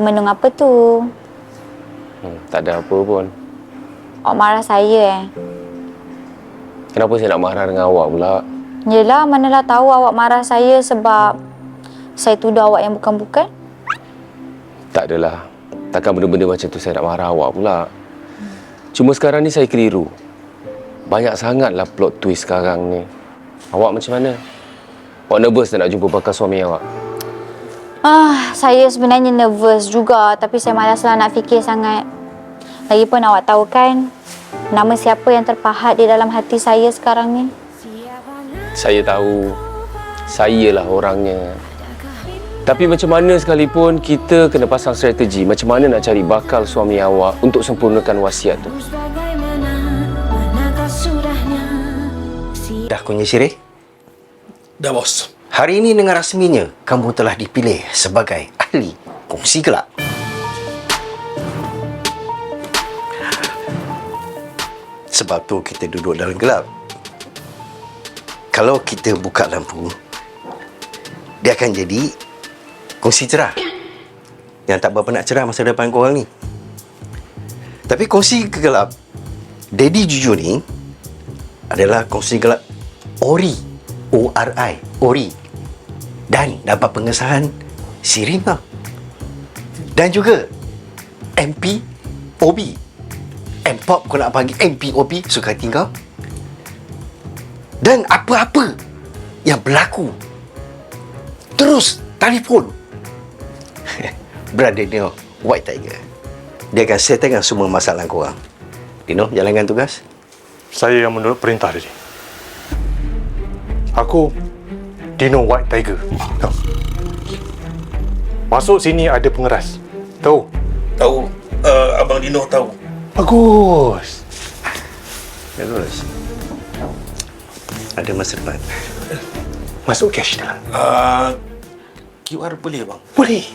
termenung apa tu? Tak ada apa pun. Awak marah saya Kenapa saya nak marah dengan awak pula? Yelah, manalah tahu awak marah saya sebab saya tuduh awak yang bukan-bukan. Tak adalah. Takkan benda-benda macam tu saya nak marah awak pula. Cuma sekarang ni saya keliru. Banyak sangatlah plot twist sekarang ni. Awak macam mana? Awak nervous tak nak jumpa bakal suami awak? Saya sebenarnya nervous juga, tapi saya malaslah nak fikir sangat. Lagipun awak tahu kan, nama siapa yang terpahat di dalam hati saya sekarang ni? Saya tahu. Sayalah orangnya. Tapi macam mana sekalipun, kita kena pasang strategi macam mana nak cari bakal suami awak untuk sempurnakan wasiat tu. Dah Kunyit Sirih? Dah, bos. Hari ini dengan rasminya, kamu telah dipilih sebagai ahli kongsi gelap. Sebab tu kita duduk dalam gelap. Kalau kita buka lampu, dia akan jadi kongsi cerah. Yang tak berapa nak cerah masa depan korang ni. Tapi kongsi gelap Daddy Jujur ni adalah kongsi gelap Ori. O-R-I. Ori. Dan dapat pengesahan Sirima. Dan juga MPOB. M-Pop kau nak panggil MPOB, suka hati kau. Dan apa-apa yang berlaku, terus telefon Brother Dino White Tiger. Dia akan settlekan semua masalah korang. Dino, jalankan tugas. Saya yang menurut perintah tadi. Aku Dino White Tiger. Tahu. Masuk sini ada pengeras. Tahu? Tahu. Abang Dino tahu. Bagus. Bagus. Ada masa depan. Masuk cash dalam. QR boleh bang? Boleh.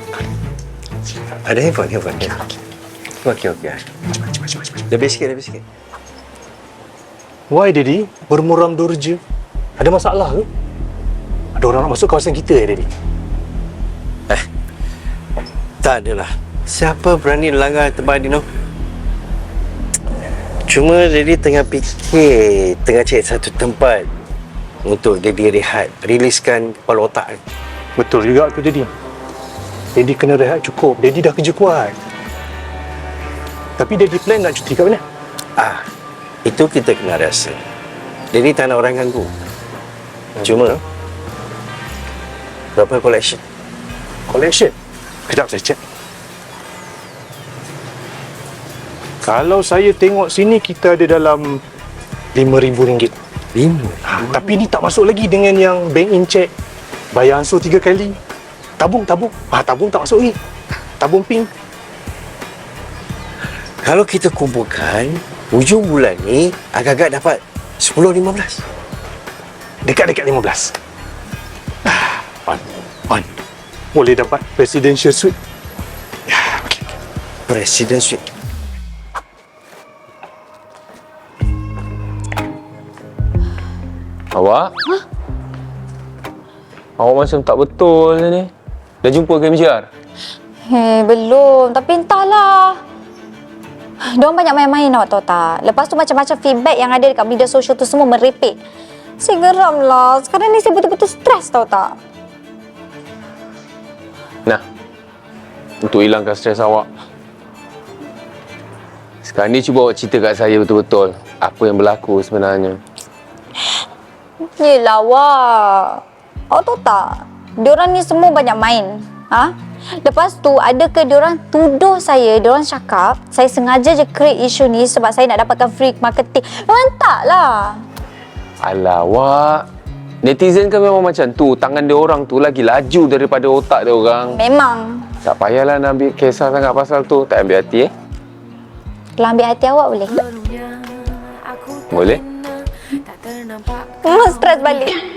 Ada handphone. Okey. Lebih sikit. Why Daddy? Bermuram durja. Ada masalah ke? Ada orang nak masuk kawasan kita Daddy? Tak adalah. Siapa berani langgar tempat Dino? Cuma Daddy tengah fikir, tengah cari satu tempat untuk Daddy rehat, riliskan kepala otak. Betul juga tu Daddy. Daddy kena rehat cukup. Daddy dah kerja kuat. Tapi Daddy plan nak cuti kat mana? Itu kita kena rasa. Daddy tak nak orang ganggu. Cuma berapa collection? Collection? Kejap saya cek. Kalau saya tengok sini, kita ada dalam RM5,000. Tapi ni tak masuk lagi dengan yang bank in check. Bayar ansur 3 kali. Tabung. Tabung tak masuk lagi. Tabung pink. Kalau kita kumpulkan, hujung bulan ni agak-agak dapat 10-15. Dekat-dekat 15. On. Boleh dapat presidential suite. Ya, okey. Presiden Suite. Awak? Awak macam tak betul ni. Dah jumpa ke MJR? Belum. Tapi entahlah. Diorang banyak main-main, awak tahu tak? Lepas tu macam-macam feedback yang ada dekat media sosial tu semua merepek. Saya geram lah. Sekarang ni saya betul-betul stres, tahu tak? Nah, untuk hilangkan stres awak, sekarang ni cuba awak cerita kat saya betul-betul apa yang berlaku sebenarnya. Yelah, awak. Awak tahu tak? Diorang ni semua banyak main. Lepas tu, ada ke diorang tuduh saya, diorang cakap saya sengaja je create isu ni sebab saya nak dapatkan free marketing. Memang tak lah. Alah, awak. Netizen kan memang macam tu. Tangan dia orang tu lagi laju daripada otak dia orang. Memang. Tak payahlah nak ambil kisah sangat pasal tu. Tak ambil hati Kalau ambil hati awak boleh? Boleh? Memang stres balik.